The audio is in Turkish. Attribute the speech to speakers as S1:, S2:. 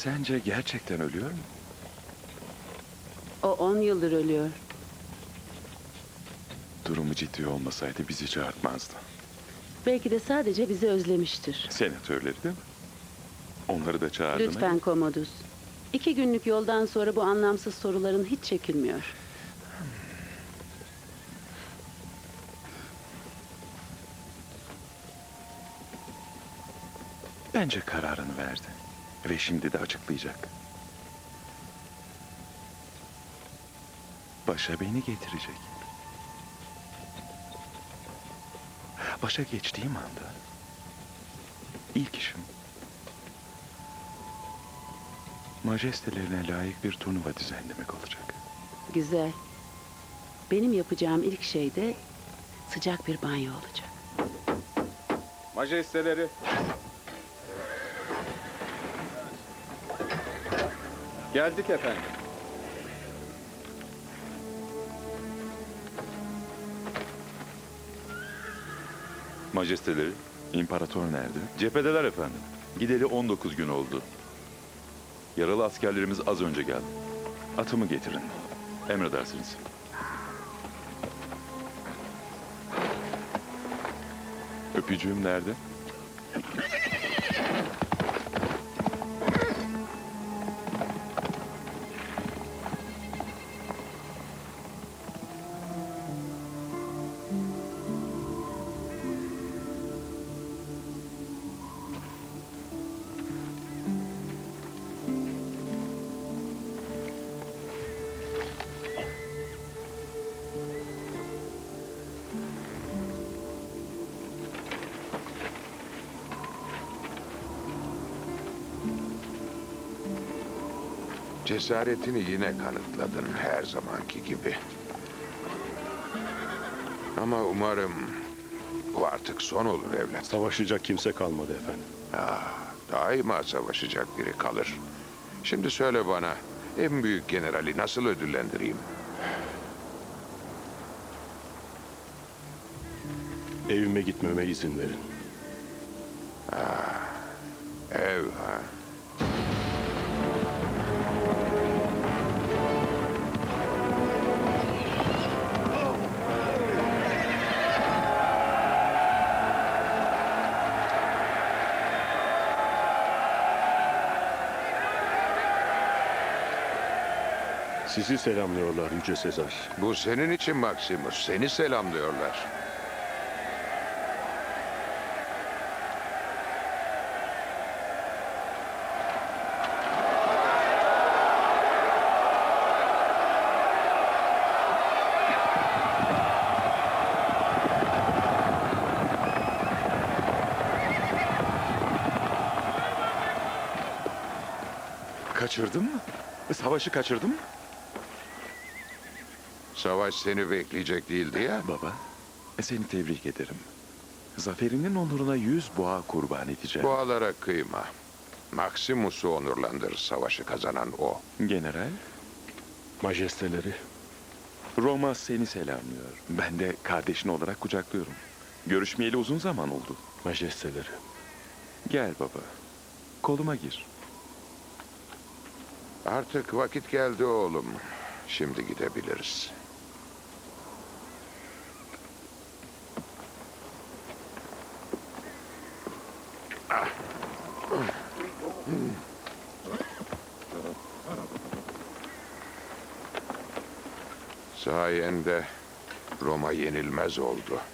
S1: Sence gerçekten ölüyor mu?
S2: O 10 yıldır ölüyor.
S1: Durumu ciddi olmasaydı bizi çağırtmazdı.
S2: Belki de sadece bizi özlemiştir.
S1: Senatörleri değil mi? Onları da çağırdı mı?
S2: Lütfen Commodus. 2 günlük yoldan sonra bu anlamsız soruların hiç çekilmiyor.
S1: Bence kararını verdi. Ve şimdi de açıklayacak. Başa beni getirecek. Başa geçtiğim anda ilk işim majestelerine layık bir turnuva düzenlemek olacak.
S2: Güzel. Benim yapacağım ilk şey de sıcak bir banyo olacak.
S3: Majesteleri. Geldik efendim.
S1: Majesteleri, imparator nerede?
S4: Cephedeler efendim. Gideli 19 gün oldu. Yaralı askerlerimiz az önce geldi.
S1: Atımı getirin.
S4: Emredersiniz.
S1: Öpücüğüm nerede?
S5: Cesaretini yine kanıtladın her zamanki gibi. Ama umarım bu artık son olur evlat.
S6: Savaşacak kimse kalmadı efendim.
S5: Daima savaşacak biri kalır. Şimdi söyle bana, en büyük generali nasıl ödüllendireyim?
S6: Evime gitmeme izin verin.
S5: Ev ha?
S6: Sizi selamlıyorlar Yüce Sezar.
S5: Bu senin için Maximus. Seni selamlıyorlar.
S1: Kaçırdın mı? Savaşı kaçırdın mı?
S5: Savaş seni bekleyecek değildi ya.
S1: Baba, seni tebrik ederim. Zaferinin onuruna 100 boğa kurban edeceğim.
S5: Boğalara kıyma. Maximus'u onurlandır, savaşı kazanan o.
S1: General,
S6: Majesteleri,
S1: Roma seni selamlıyor. Ben de kardeşin olarak kucaklıyorum. Görüşmeyeli uzun zaman oldu.
S6: majesteleri.
S1: Gel baba, koluma gir.
S5: Artık vakit geldi oğlum. Şimdi gidebiliriz. Sayende Roma yenilmez oldu.